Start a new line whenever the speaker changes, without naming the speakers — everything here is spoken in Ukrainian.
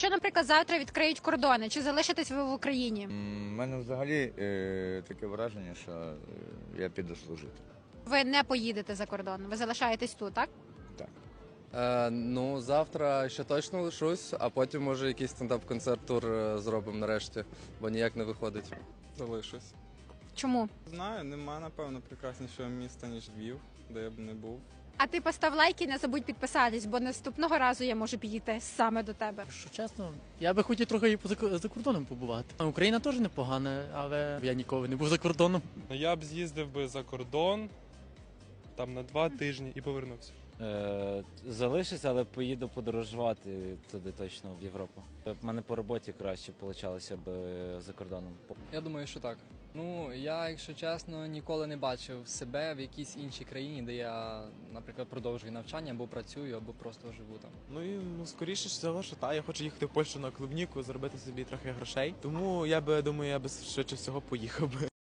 Що, наприклад, завтра відкриють кордони, чи залишитесь ви в Україні?
У мене взагалі таке враження, що я піду служити.
Ви не поїдете за кордон, ви залишаєтесь тут, так?
Так.
Ну, завтра ще точно лишусь, а потім, може, якийсь стендап-концерт-тур зробимо нарешті, бо ніяк не виходить.
Залишусь.
Чому?
Знаю, нема, напевно, прекраснішого міста, ніж Львів, де я б не був.
А ти постав лайк і не забудь підписатись, бо наступного разу я можу підійти саме до тебе.
Що чесно, я би хотів трохи і за кордоном побувати. Україна теж непогана, але я ніколи не був за кордоном.
Я б з'їздив би за кордон там на 2 тижні і повернувся.
Залишусь, але поїду подорожувати туди точно, в Європу. В мене по роботі краще получалося б за кордоном.
Я думаю, що так. Ну, я, якщо чесно, ніколи не бачив себе в якійсь іншій країні, де я, наприклад, продовжую навчання, або працюю, або просто живу там.
Скоріше всього, що я хочу їхати в Польщу на клубніку, заробити собі трохи грошей. Тому я думаю, я би швидше всього поїхав би.